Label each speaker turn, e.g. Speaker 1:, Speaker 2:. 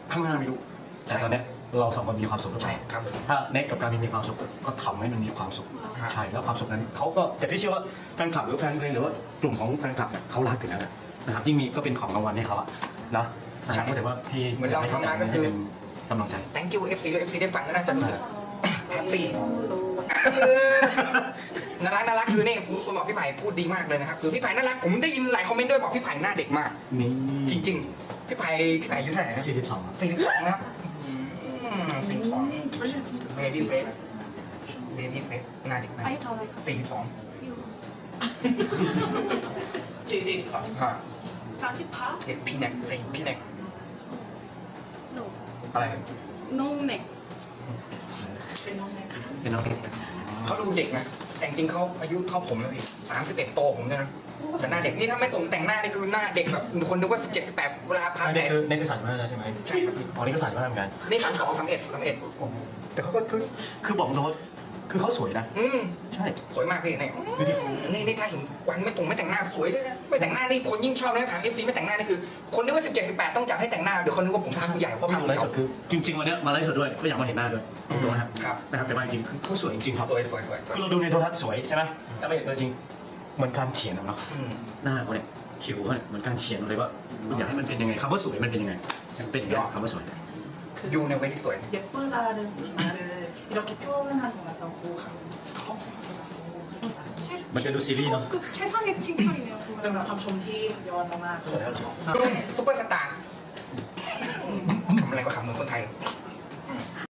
Speaker 1: ข้างหน้าไม่รู้แต่ตอนเนี้ยเราสองคนมีความสุขหรือเปล่า
Speaker 2: ครับ
Speaker 1: ถ้าเน็กกับการมีความสุขก็ทำให้มันมีความสุข
Speaker 2: ครับ
Speaker 1: ใช่แล้วความสุขนั้นเขาก็แต่พี่เชื่อว่าแฟนคลับหรือแฟนเพลงหรือว่ากลุ่มของแฟนคลับเนี่ยเขารักอยู่แล้วนะครับยิ่งมีก็เป็นของรางวัลให้เขาอะนะก็แต่ว่าพี่
Speaker 2: เหมือนเราทำงานก็คือ
Speaker 1: เป็นกำลังใจ
Speaker 2: thank you FC ด้วย FC ได้ฟังก็น่าจะรู้สึกแฮปปี้น่ารักคือนี่คุณบอกพี่ไผ่พูดดีมากเลยนะครับคือพี่ไผ่น่ารักผมได้ยินหลายคอมเมนต์ด้วยบอกพี่ไผ่หน้าเด็กมาก
Speaker 1: นี่
Speaker 2: จริงๆพี่ไผ่อายุเท่าไหร่นะ
Speaker 1: 42ครับ
Speaker 2: 42นะครับ42 baby face baby face หน้าเด็กมาก
Speaker 3: 아니 더 like
Speaker 2: 42
Speaker 3: you
Speaker 2: 35
Speaker 3: 30파?
Speaker 2: เด็กพี่แน็กพี่แน็ก
Speaker 3: No
Speaker 2: อะไร
Speaker 3: No neck
Speaker 1: เป็นน้องเด็ก
Speaker 2: เขาดูเด็กนะแต่จริงๆเขาอายุเท่าผมแล้วพี่31โตผมเนี่ยนะแต่หน้าเด็กนี่ถ้าไม่ผมแต่งหน้านี่คือหน้าเด็กแบบคนนึกว่า17 18เวลาพัก
Speaker 1: นี่คือนี่คือสั่นมากแล้วใช่ไหม
Speaker 2: ใช่ครับ
Speaker 1: อ๋อนี่ก็สั่นมากเหมือนกัน
Speaker 2: นี่32 31
Speaker 1: แต่เขาก็คือบอกตรงว่าคือเขาสวยนะ ใช่
Speaker 2: สวยมากพี่เนี่ยนี่ถ้าเห็นวันไม่แต่งหน้าสวยด้วยนะไม่แต่งหน้านี่คนยิ่งชอบนะถาม FC ไม่แต่งหน้านี่คือคนนึกว่า17 18ต้องจับให้แต่งหน้าเดี๋ยวคนนึกว่าผมพาผู้ใหญ่
Speaker 1: เพราะไม่ดูไลฟ์สดคือจริงๆวันเนี้ยมาไลฟ์สดด้วยก็อยากมาเห็นหน้าด้วยตรงๆนะครับ
Speaker 2: ครับ
Speaker 1: นะครับแต่มาจริงๆคือเขาสวยจริงๆครับ
Speaker 2: สวย
Speaker 1: คือเราดูในโทรทัศน์สวยใช่ไหมแต่ไม่เห็นตัวจริงเหมือนการเขียนอะเนาะหน้าเขาเนี่ยคิ้วเขาเนี่ยเหมือนการเขียนเลยว่าคุณอยากให้มันเป็นยังไงคำว่าสวยมันเป็นยังไงมันเป็นยังไงคำว่าสวย
Speaker 2: อยู่ในเวทีสวย
Speaker 4: 예쁘다는 말을 이렇게 표현한 것 같다고
Speaker 1: มันจะดูซีรีส์เนาะ
Speaker 3: 급 최상의 칭찬이네요 정말
Speaker 4: 그러면 감정이 여왕
Speaker 1: สวยครับ
Speaker 2: ซุปเปอร์สตาร์ทำอะไรก็ขำเหมือนคนไทยเลย